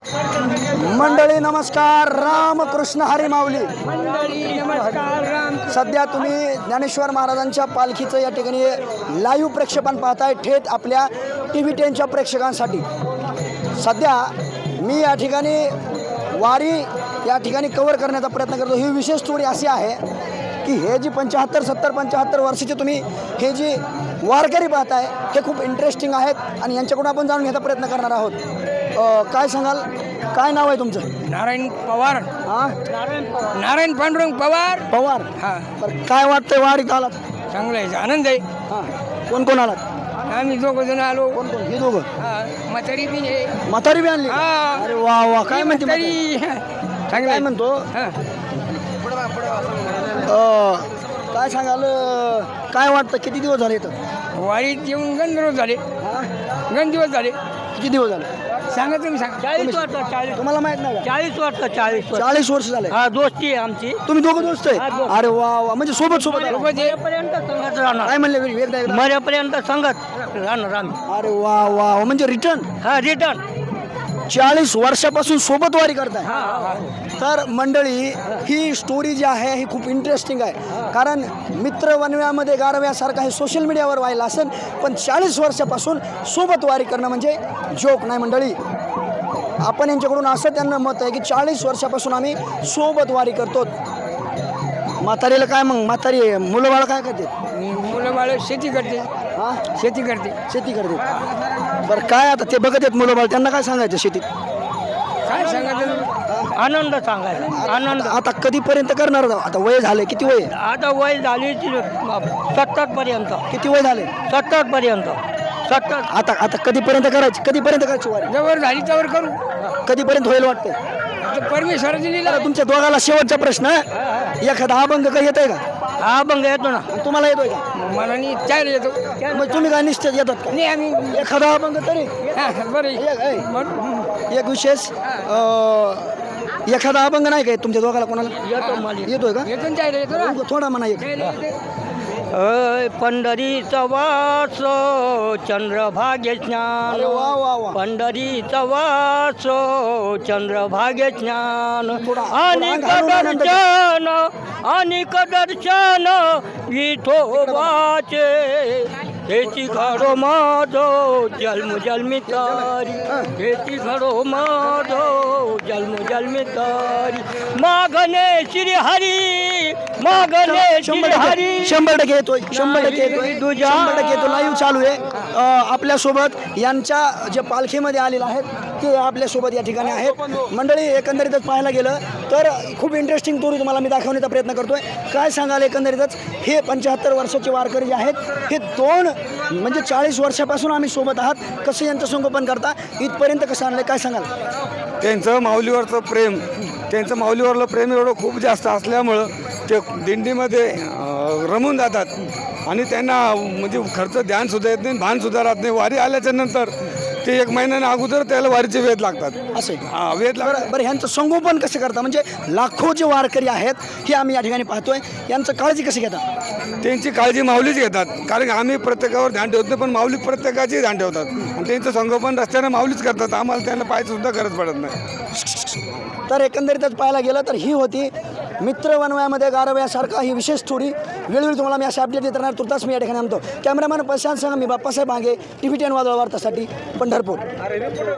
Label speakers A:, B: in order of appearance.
A: मंडळी नमस्कार, रामकृष्ण हरी माऊली. सध्या तुम्ही ज्ञानेश्वर महाराजांच्या पालखीचं या ठिकाणी लाईव्ह प्रक्षेपण पाहताय थेट आपल्या TV10च्या प्रेक्षकांसाठी. सध्या मी या ठिकाणी वारी या ठिकाणी कव्हर करण्याचा प्रयत्न करतो. ही विशेष स्टोरी अशी आहे की हे जी 75 वर्षाचे तुम्ही हे जी वारकरी पाहताय हे खूप इंटरेस्टिंग आहेत आणि यांच्याकडून आपण जाणून घ्यायचा प्रयत्न करणार आहोत. काय सांगाल, काय नाव आहे तुमचं?
B: नारायण पवार.
A: हां,
B: नारायण पांडुरंग पवार.
A: पवार.
B: हा,
A: बरं, काय वाटतंय वारीत आलात?
B: चांगलं आहे, आनंद आहे.
A: हां, कोण कोण आलात?
B: आम्ही दोघं जण आलो.
A: कोण कोण? हे दोघं.
B: म्हातारी बी आहे.
A: म्हातारी बी आणली?
B: हा.
A: अरे वा वा, काय म्हणते
B: म्हातारी. चांगलं
A: काय
B: आहे.
A: म्हणतो?
B: हा.
A: काय सांगाल, काय वाटतं किती दिवस झाले इथं?
B: वारीत येऊन गण दिवस झाले.
A: हां,
B: गण दिवस झाले.
A: किती दिवस झाले?
B: सांगा तुम्ही सांगा.
C: 40 वर्ष
A: तुम्हाला माहित नाही का?
C: 40 वर्ष
A: 40 वर्ष झाले.
C: हा दोस्ती आहे आमची.
A: तुम्ही दोघं दोस्त
C: हा,
A: आहे?
C: दोस्त.
A: अरे वा वा, म्हणजे सोबत सोबत आला.
C: मरेपर्यंत संगत राहणार.
A: काय म्हणले एकदा एकदा?
C: मरेपर्यंत संगत राहणार आम्ही.
A: अरे वा वा, म्हणजे रिटर्न
C: हा रिटर्न.
A: 40 वर्षापासून सोबत वारी करताय.
C: हा
A: तर मंडळी, ही स्टोरी जी आहे ही खूप इंटरेस्टिंग आहे. कारण मित्र वनव्यामध्ये गारव्यासारखा हे सोशल मीडियावर व्हायला असेल, पण 40 वर्षापासून सोबत वारी करणं म्हणजे जोक नाही मंडळी. आपण यांच्याकडून असं त्यांना मत आहे की 40 वर्षापासून आम्ही सोबत वारी करतो. म्हातारीला काय मग, म्हातारी मुलं बाळ काय करते?
B: मुलं बाळ शेती करते.
A: हां,
B: शेती करते.
A: शेती करते. बरं, काय आता ते बघत आहेत मुलं बाळ, त्यांना काय सांगायचं शेतीत?
B: काय सांगायचं?
C: आनंद सांगायचा. आनंद.
A: आता कधीपर्यंत करणार? आता वय झाले, किती वय?
C: आता वय झाली 70 पर्यंत.
A: किती वय झाले?
C: 70 पर्यंत. 70.
A: आता आता कधीपर्यंत करायची, कधीपर्यंत करायची वारी?
B: जवळ झाली त्यावर करू.
A: कधीपर्यंत होईल वाटतंय?
B: आता परमेश्वराची लीला
A: बरं,
B: आहे.
A: तुमच्या दोघाला शेवटचा प्रश्न. एखादा अभंग काही येतोय का?
C: हा अभंग येतो ना.
A: तुम्हाला येतोय का?
B: मला नाही चायला येतो.
A: मग तुम्ही काय निश्चित येतात का?
B: नाही आम्ही.
A: एखादा अभंग तरी
B: हा, बरं
A: एक विशेष एखादा अभंग नाही काय तुमच्या दोघाला कोणाला?
C: येतो मला.
A: येतोय का?
B: येतो ना चायला येतो ना.
A: थोडा म्हणा एक.
B: चायला येतो.
C: पंढरीचा वास चंद्रभागे
A: अरे
C: स्नान.
A: वा वा वा.
C: पंढरीचा वास चंद्रभागे स्नान.
A: थोडा
C: अनेक
A: अंग हलवून आनंद
C: दर्शन अनेक दर्शन विठोबाचे. हेची घडो माझो जन्म जन्मी तारी. हेची घडो माझो जन्म जन्मी तारी. मागणे श्री हरी मागणे श्री हरी.
A: 100% येतोय, 100% येतोय, 100% येतो. लाईव्ह चालू आहे. आपल्यासोबत यांच्या जे पालखीमध्ये आलेले आहेत ते आपल्यासोबत या ठिकाणी आहेत. मंडळी, एकंदरीतच पाहायला गेलं तर खूप इंटरेस्टिंग स्टोरी तुम्हाला मी दाखवण्याचा प्रयत्न करतोय. काय सांगाल एकंदरीतच, हे 75 वर्षाचे वारकरी जे आहेत हे दोन म्हणजे 40 वर्षापासून आम्ही सोबत आहात. कसं यांचं संगोपन करता, इथपर्यंत कसं आणलं, काय सांगाल?
D: त्यांचं माऊलीवरचं प्रेम, त्यांचं माऊलीवरलं प्रेम एवढं खूप जास्त असल्यामुळं ते दिंडीमध्ये रमून जातात आणि त्यांना म्हणजे खर्च ध्यानसुद्धा येत नाही, भानसुद्धा राहत नाही. वारी आल्याच्या नंतर ते 1 महिन्याने अगोदर त्याला वारीचे वेध लागतात.
A: असे
D: वेध लागतात.
A: बरं, ह्यांचं संगोपन कसं करता? म्हणजे लाखो जे वारकरी आहेत हे आम्ही या ठिकाणी पाहतोय, यांचं काळजी कशी घेता?
D: त्यांची काळजी माऊलीच घेतात, कारण आम्ही प्रत्येकावर ध्यान ठेवत नाही, पण माऊली प्रत्येकाचे ध्यान ठेवतात आणि त्यांचं संगोपन रस्त्याने माऊलीच करतात. आम्हाला त्यांना पाहायचं सुद्धा गरज पडत नाही.
A: तर एकंदरीतच पाहायला गेलं तर ही होती मित्र वनवयामध्ये गारव्यासारखा ही विशेष स्टोरी. वेळोवेळी तुम्हाला मी असे अपडेट देत राहणार. तुर्तास मी या ठिकाणी आणतो. कॅमेरामॅन प्रशांत संघ, मी बाप्पासाहेब मागे, TV10 वादळ वार्तासाठी पंढरपूर.